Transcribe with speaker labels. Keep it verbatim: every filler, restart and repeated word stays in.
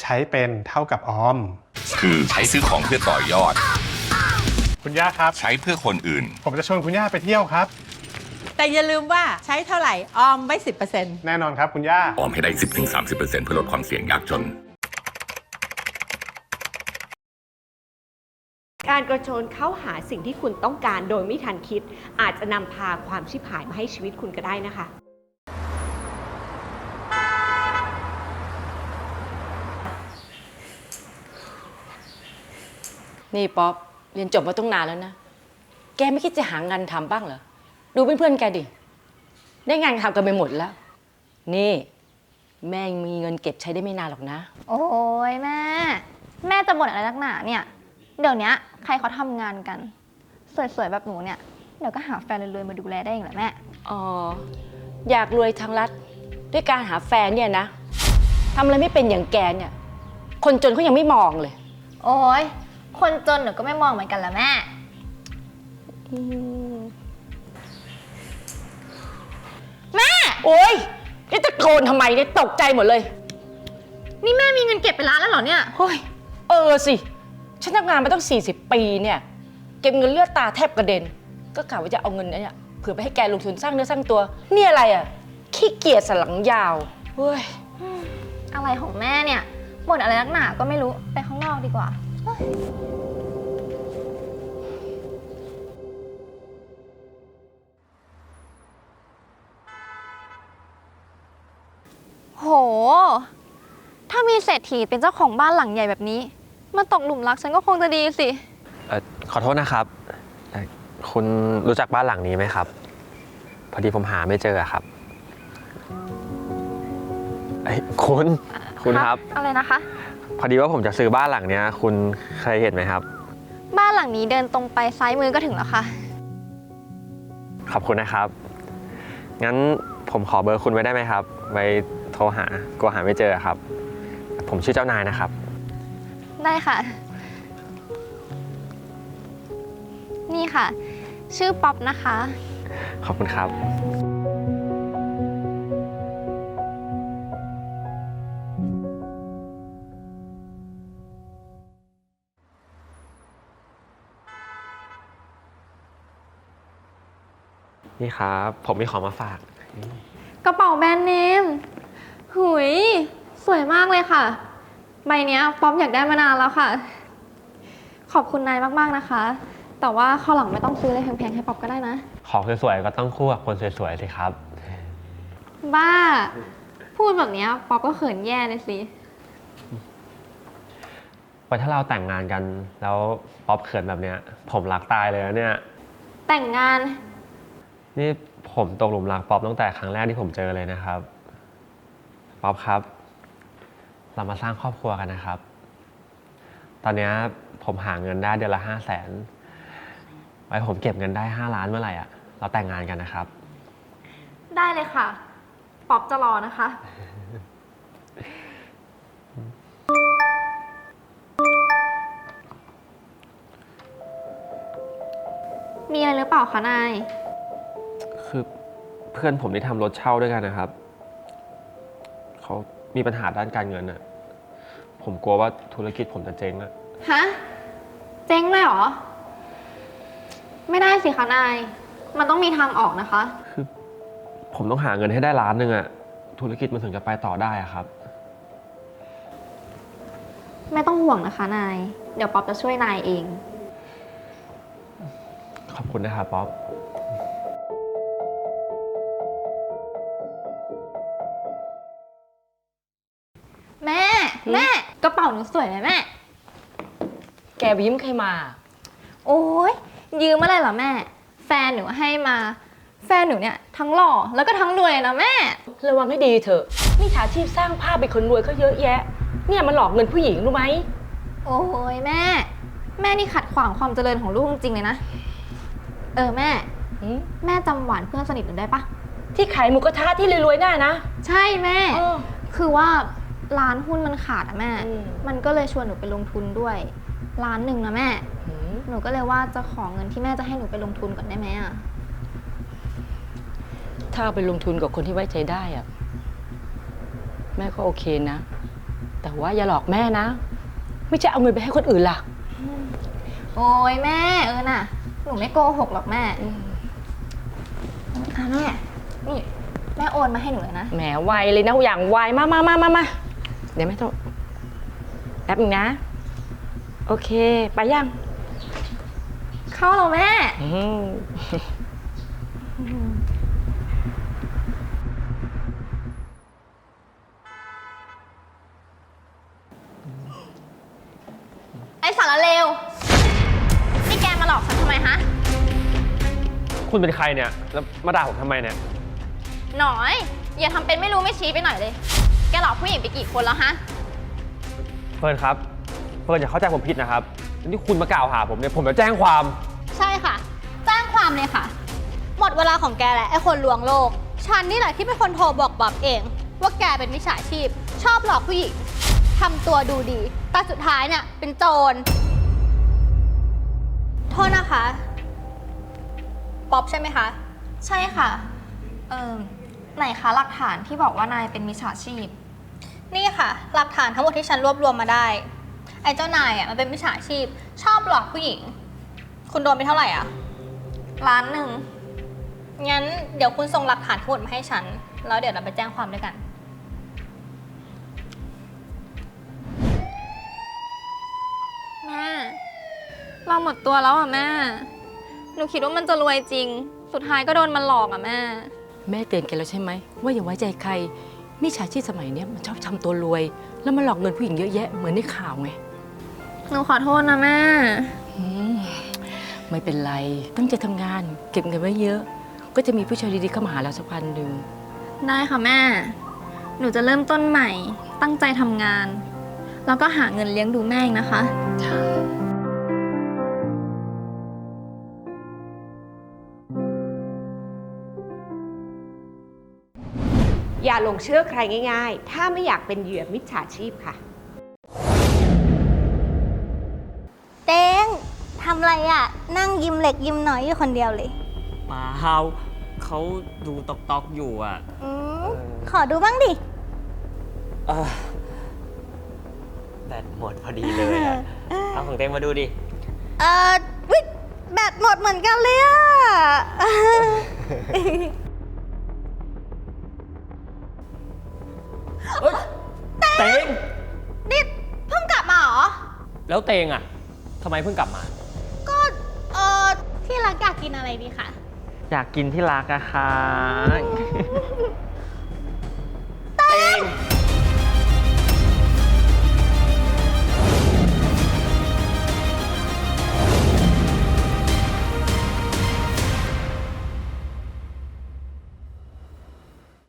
Speaker 1: ใช้เป็นเท่ากับออม
Speaker 2: คือใช้ซื้อของเพื่อต่อยอด
Speaker 1: คุณย่าครับ
Speaker 2: ใช้เพื่อคนอื่น
Speaker 1: ผมจะชวนคุณย่าไปเที่ยวครับ
Speaker 3: แต่อย่าลืมว่าใช้เท่าไหร่ออมไว้ สิบเปอร์เซ็นต์
Speaker 1: แน่นอนครับคุณย่า
Speaker 2: ออมให้ได้ สิบถึงสามสิบเปอร์เซ็นต์ เพื่อลดความเสี่ยงยากจน
Speaker 4: การกระโจนเข้าหาสิ่งที่คุณต้องการโดยไม่ทันคิดอาจจะนำพาความชิบหายมาให้ชีวิตคุณก็ได้นะคะ
Speaker 5: นี่ป๊อปเรียนจบมาตั้งนานแล้วนะแกไม่คิดจะหางานทำบ้างเหรอดูเพื่อนๆแกดิได้งานทำกันไปหมดแล้วนี่แม่ยังมีเงินเก็บใช้ได้ไม่นานหรอกนะ
Speaker 6: โอ้ยแม่แม่จะบ่นอะไรนักหนาเนี่ยเดี๋ยวนี้ใครเขาทำงานกันสวยๆแบบหนูเนี่ยเดี๋ยวก็หาแฟนรวยๆมาดูแลได้เองแหละแม่
Speaker 5: อ๋ออยากรวยทางรัฐด้วยการหาแฟนเนี่ยนะทำอะไรไม่เป็นอย่างแกเนี่ยคนจนเขายังไม่มองเลย
Speaker 6: โอ้ยคนจนหนูก็ไม่มองเหมือนกันละแม่แม่
Speaker 5: โอ๊ยนี่ตะโกนทำไมเนี่ยตกใจหมดเลย
Speaker 6: นี่แม่มีเงินเก็บเป็นล้านแล้วเหรอเนี่ย
Speaker 5: เฮ้ยเออสิฉันทำงานมาตั้งสี่สิบปีเนี่ยเก็บเงินเลือดตาแทบกระเด็นก็กะว่าจะเอาเงินเนี่ยเผื่อไปให้แกลงทุนสร้างเนื้อสร้างตัวนี่อะไรอ่ะขี้เกียจสันหลังยาวเฮ้ย
Speaker 6: อะไรของแม่เนี่ยบ่นอะไรนักหนาก็ไม่รู้ไปข้างนอกดีกว่าโหถ้ามีเศรษฐีเป็นเจ้าของบ้านหลังใหญ่แบบนี้มาตกหลุมรักฉันก็คงจะดีสิ
Speaker 7: เอ่อขอโทษนะครับคุณรู้จักบ้านหลังนี้ไหมครับพอดีผมหาไม่เจอครับไอ้คุณคุณครับ
Speaker 6: อะไรนะคะ
Speaker 7: พอดีว่าผมจะซื้อบ้านหลังนี้คุณเคยเห็นไหมครับ
Speaker 6: บ้านหลังนี้เดินตรงไปซ้ายมือก็ถึงแล้วค่ะ
Speaker 7: ขอบคุณนะครับงั้นผมขอเบอร์คุณไว้ได้ไหมครับไว้โทรหากลัวหาไม่เจอครับผมชื่อเจ้านายนะครับ
Speaker 6: ได้ค่ะนี่ค่ะชื่อป๊อปนะคะ
Speaker 7: ขอบคุณครับนี่ครับผมมีของมาฝาก
Speaker 6: กระเป๋าแบรนด์เนมหุยสวยมากเลยค่ะใบนี้ป๊อปอยากได้มานานแล้วค่ะขอบคุณนายมากๆนะคะแต่ว่าข้าวหลังไม่ต้องซื้ออะไรแพงๆให้ป๊อปก็ได้นะ
Speaker 7: ของสวยๆก็ต้องคู่กับคนสวยๆสิครับ
Speaker 6: บ้าพูดแบบนี้ป๊อปก็เขินแย่เลยสิ
Speaker 7: พอถ้าเราแต่งงานกันแล้วป๊อปเขินแบบเนี้ยผมรักตายเลยนะเนี่ย
Speaker 6: แต่งงาน
Speaker 7: นี่ผมตกหลุมรักป๊อปตั้งแต่ครั้งแรกที่ผมเจอเลยนะครับป๊อปครับเรามาสร้างครอบครัวกันนะครับตอนนี้ผมหาเงินได้เดือนละห้าแสนไว้ผมเก็บเงินได้ห้าล้านเมื่อไหร่อ่ะเราแต่งงานกันนะครับ
Speaker 6: ได้เลยค่ะป๊อปจะรอนะคะมีอะไรหรือเปล่าคะนาย
Speaker 7: คือเพื่อนผมที่ทำรถเช่าด้วยกันนะครับเขามีปัญหาด้านการเงินอ่ะผมกลัวว่าธุรกิจผมจะเจ๊งอ่ะ
Speaker 6: ฮะเจ๊งเลยเหรอไม่ได้สิคะนายมันต้องมีทางออกนะคะ
Speaker 7: คือผมต้องหาเงินให้ได้ล้านหนึ่งอ่ะธุรกิจมันถึงจะไปต่อได้อะครับ
Speaker 6: ไม่ต้องห่วงนะคะนายเดี๋ยวป๊อปจะช่วยนายเอง
Speaker 7: ขอบคุณนะครับป๊อป
Speaker 6: แม่แม่กระเป๋าหนูสวยไหมแม่
Speaker 5: แกไปยืมใครมา
Speaker 6: โอ้ยยืมอะไรเหรอแม่แฟนหนูให้มาแฟนหนูเนี่ยทั้งหล่อแล้วก็ทั้งรวยนะแม่
Speaker 5: ระวังให้ดีเถอะมิจฉาชีพสร้างภาพเป็นคนรวยเขาเยอะแยะเนี่ยมันหลอกเงินผู้หญิงรู้ไหม
Speaker 6: โอ้ยแม่แม่นี่ขัดขวางความเจริญของลูกจริงๆเลยนะเออแม่แม่จำหวานเพื่อนสนิทหนูได้ปะ
Speaker 5: ที่ขายหมูกระทะที่รวยๆหน้านะ
Speaker 6: ใช่แม่คือว่าร้านหุ้นมันขาดอะแม่มันก็เลยชวนหนูไปลงทุนด้วยล้านหนึ่งนะแม่หนูก็เลยว่าจะขอเงินที่แม่จะให้หนูไปลงทุนก่อนได้ไหมอะ
Speaker 5: ถ้าไปลงทุนกับคนที่ไว้ใจได้อะแม่ก็โอเคนะแต่ว่าอย่าหลอกแม่นะ ไม่ใช่เอาเงินไปให้คนอื่นล่ะ
Speaker 6: โอ้ยแม่เออน่ะ หนูไม่โกหกหรอกแม่อ่ะแม่ นี่แม่โอนมาให้หนูเลยนะ
Speaker 5: แหมไวเลยนะอย่างไวมามามามามาเดี๋ยวไม่ต้องแป๊บนึงนะ โอเค ไปยัง
Speaker 6: เข้าแล้วแม่
Speaker 5: อืม
Speaker 6: ไอ้สารเลว นี่แกมาหลอกฉันทำไมฮะ
Speaker 7: คุณเป็นใครเนี่ย แล้วมาด่าผมทำไมเนี่ย
Speaker 6: หน่อย อย่าทำเป็นไม่รู้ไม่ชี้ไปหน่อยเลย แกหลอกผู้หญิงไปกี่คนแล้วฮะ
Speaker 7: เฟิร์นครับ เฟิร์นอย่าเข้าใจผมผิดนะครับที่คุณมากล่าวหาผมเนี่ย ผมจะแจ้งความ
Speaker 8: ใช่ค่ะ แจ้งความเลยค่ะ หมดเวลาของแกแหละไอ้คนลวงโลก ฉันนี่แหละที่เป็นคนโทรบอกบ๊อบเอง ว่าแกเป็นมิจฉาชีพ ชอบหลอกผู้หญิงทำตัวดูดี แต่สุดท้ายเนี่ยเป็นโจร โทษนะคะ ป๊อบใช่ไหมคะ
Speaker 6: ใช่ค่ะ เออไหนคะหลักฐานที่บอกว่านายเป็นมิจฉาชีพ
Speaker 8: นี่ค่ะ หลักฐานทั้งหมดที่ฉันรวบรวมมาได้ ไอ้เจ้านายอ่ะมันเป็นมิจฉาชีพ ชอบหลอกผู้หญิง คุณโดนไปเท่าไหร่อ่ะ
Speaker 6: ล้านหนึ่ง
Speaker 8: งั้นเดี๋ยวคุณส่งหลักฐานทั้งหมดมาให้ฉัน แล้วเดี๋ยวเราไปแจ้งความด้วยกัน
Speaker 6: แม่ เราหมดตัวแล้วอ่ะแม่ หนูคิดว่ามันจะรวยจริง สุดท้ายก็โดนมันหลอกอ่ะแม่
Speaker 5: แม่เตือนแกแล้วใช่ไหมว่าอย่าไว้ใจใครมิจฉาชีพสมัยเนี้ยมันชอบทำตัวรวย แล้วมันหลอกเงินผู้หญิงเยอะแยะเหมือนในข่าวไง
Speaker 6: หนูขอโทษนะแม่
Speaker 5: อืมไม่เป็นไรตั้งใจทำงาน เก็บเงินไว้เยอะ ก็จะมีผู้ชายดีๆเข้ามาหาเราสักวันหนึ่ง
Speaker 6: ได้ค่ะแม่ หนูจะเริ่มต้นใหม่ ตั้งใจทำงาน แล้วก็หาเงินเลี้ยงดูแม่เองนะคะ
Speaker 4: อย่าหลงเชื่อใครง่ายๆ ถ้าไม่อยากเป็นเหยื่อมิจฉาชีพค่ะ
Speaker 8: เต้งทำไรอ่ะ นั่งยิ้มเล็กยิ้มน้อยอยู่คนเดียวเลย
Speaker 9: เปล่าเขาดูตอกตอกอยู่อ่ะ
Speaker 8: อืมขอดูบ้างดิ
Speaker 9: เออแบตหมดพอดีเลยอะเอาของเต็งมาดูดิ
Speaker 8: เออวิแบตหมดเหมือนกันเลยอ่ะ
Speaker 9: เต็ง
Speaker 8: นี่เพิ่งกลับมาเหรอ
Speaker 9: แล้วเตงอ่ะทำไมเพิ่งกลับมา
Speaker 8: ก็เออที่รักอยากกินอะไรดีคะ
Speaker 9: อยากกินที่รักอะค่ะเตง